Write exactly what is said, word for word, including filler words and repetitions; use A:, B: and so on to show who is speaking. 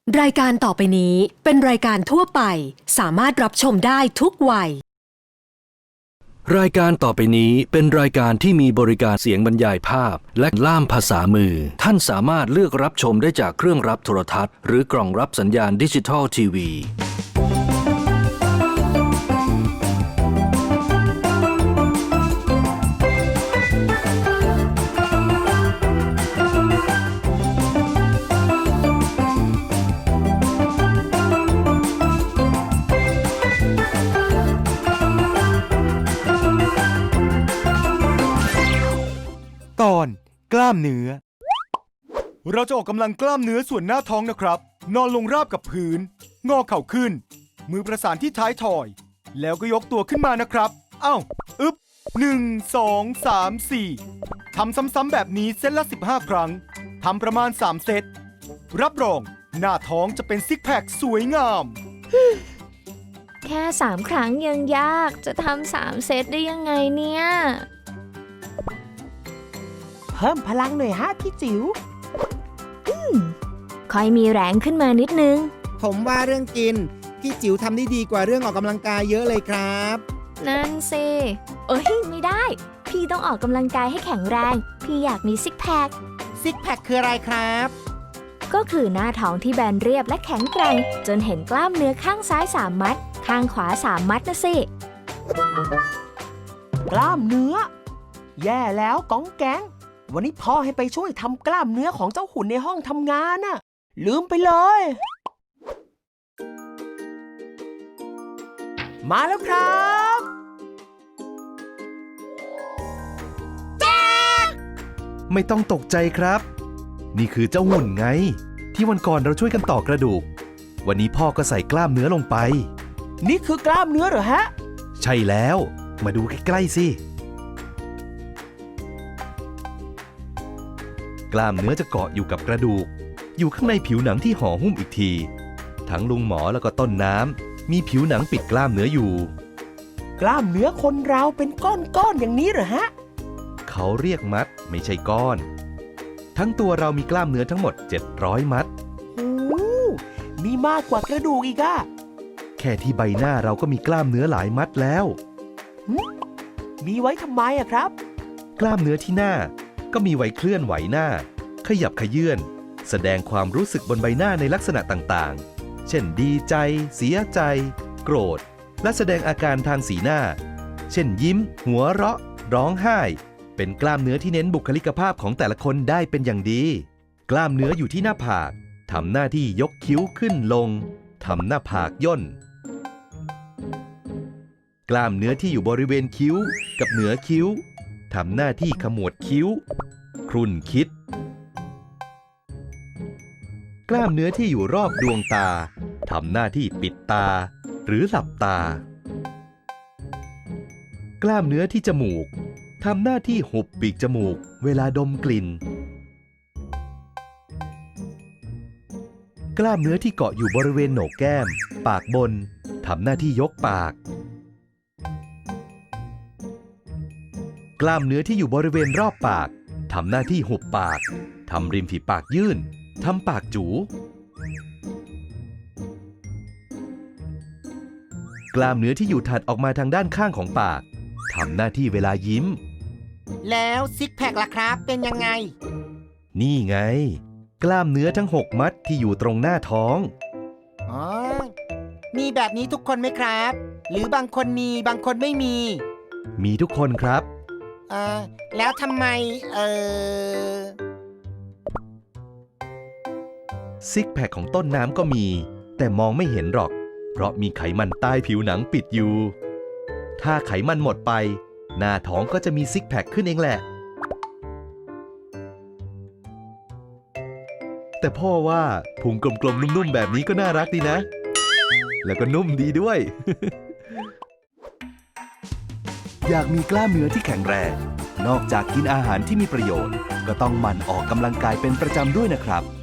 A: รายการต่อไปนี้เป็นรายการทั่วไปสามารถรับชมได้ทุกวัย
B: รายการต่อไปนี้เป็นรายการที่มีบริการเสียงบรรยายภาพและล่ามภาษามือท่านสามารถเลือกรับชมได้จากเครื่องรับโทรทัศน์หรือกล่องรับสัญญาณดิจิทัลทีวี
C: ตอนกล้ามเนื้อเราจะออกกำลังกล้ามเนื้อส่วนหน้าท้องนะครับนอนลงราบกับพื้นงอเข่าขึ้นมือประสานที่ท้ายถอยแล้วก็ยกตัวขึ้นมานะครับเอ้าอึ๊บหนึ่ง สอง สาม สี่ทำซ้ำๆแบบนี้เซตละสิบห้าครั้งทำประมาณสามเซตรับรองหน้าท้องจะเป็นซิกแพคสวยงาม
D: แค่สามครั้งยังยากจะทำสามเซตได้ยังไงเนี่ย
E: เพิ่มพลังหน่อยฮะพี่จิ๋ว
D: อืมค่อยมีแรงขึ้นมานิดนึง
F: ผมว่าเรื่องกินพี่จิ๋วทำได้ดีกว่าเรื่องออกกำลังกายเยอะเลยครับ
D: นั่นสิเอ้ยไม่ได้พี่ต้องออกกำลังกายให้แข็งแรงพี่อยากมีซิกแพค
F: ซิกแพคคืออะไรครับ
D: ก็คือหน้าท้องที่แบนเรียบและแข็งแกร่งจนเห็นกล้ามเนื้อข้างซ้ายสามมัดข้างขวาสามมัดนะสิ
E: กล้ามเนื้อแย่แล้วก้องแก๊งวันนี้พ่อให้ไปช่วยทำกล้ามเนื้อของเจ้าหุ่นในห้องทำงานน่ะลืมไปเลยมาแล้วครับ
G: ไม่ต้องตกใจครับนี่คือเจ้าหุ่นไงที่วันก่อนเราช่วยกันต่อกระดูกวันนี้พ่อก็ใส่กล้ามเนื้อลงไป
E: นี่คือกล้ามเนื้อเหรอฮะ
G: ใช่แล้วมาดูใกล้ๆสิกล้ามเนื้อจะเกาะอยู่กับกระดูกอยู่ข้างในผิวหนังที่ห่อหุ้มอีกทีทั้งลุงหมอแล้วก็ต้นน้ำมีผิวหนังปิดกล้ามเนื้ออยู่
E: กล้ามเนื้อคนเราเป็นก้อนๆอย่างนี้เหรอฮะ
G: เขาเรียกมัดไม่ใช่ก้อนทั้งตัวเรามีกล้ามเนื้อทั้งหมดเจ็ดร้อยมัด
E: โอ้มีมากกว่ากระดูกอีกอะ
G: แค่ที่ใบหน้าเราก็มีกล้ามเนื้อหลายมัดแล้ว
E: มีไว้ทำไมอะครับ
G: กล้ามเนื้อที่หน้าก็มีไว้เคลื่อนไหวหน้าขยับขยื่นแสดงความรู้สึกบนใบหน้าในลักษณะต่างๆเช่นดีใจเสียใจโกรธและแสดงอาการทางสีหน้าเช่นยิ้มหัวเราะร้องไห้เป็นกล้ามเนื้อที่เน้นบุคลิกภาพของแต่ละคนได้เป็นอย่างดีกล้ามเนื้ออยู่ที่หน้าผากทำหน้าที่ยกคิ้วขึ้นลงทำหน้าผากย่นกล้ามเนื้อที่อยู่บริเวณคิ้วกับเหนือคิ้วทำหน้าที่ขมวดคิ้วครุ่นคิดกล้ามเนื้อที่อยู่รอบดวงตาทำหน้าที่ปิดตาหรือหลับตากล้ามเนื้อที่จมูกทำหน้าที่หุบปีกจมูกเวลาดมกลิ่นกล้ามเนื้อที่เกาะอยู่บริเวณโหนกแก้มปากบนทำหน้าที่ยกปากกล้ามเนื้อที่อยู่บริเวณรอบปากทำหน้าที่หุบปากทำริมฝีปากยื่นทำปากจู๋กล้ามเนื้อที่อยู่ถัดออกมาทางด้านข้างของปากทำหน้าที่เวลายิ้ม
F: แล้วซิกแพคล่ะครับเป็นยังไง
G: นี่ไงกล้ามเนื้อทั้งหกมัดที่อยู่ตรงหน้าท้อง
F: อ๋อมีแบบนี้ทุกคนไหมครับหรือบางคนมีบางคนไม่มี
G: มีทุกคนครับ
F: เออแล้วทำไมเออ
G: ซิกแพคของต้นน้ำก็มีแต่มองไม่เห็นหรอกเพราะมีไขมันใต้ผิวหนังปิดอยู่ถ้าไขมันหมดไปหน้าท้องก็จะมีซิกแพคขึ้นเองแหละแต่พ่อว่าพุงกลมๆนุ่มๆแบบนี้ก็น่ารักดีนะแล้วก็นุ่มดีด้วย อยากมีกล้ามเนื้อที่แข็งแรงนอกจากกินอาหารที่มีประโยชน์ก็ต้องหมั่นออกกำลังกายเป็นประจำด้วยนะครับ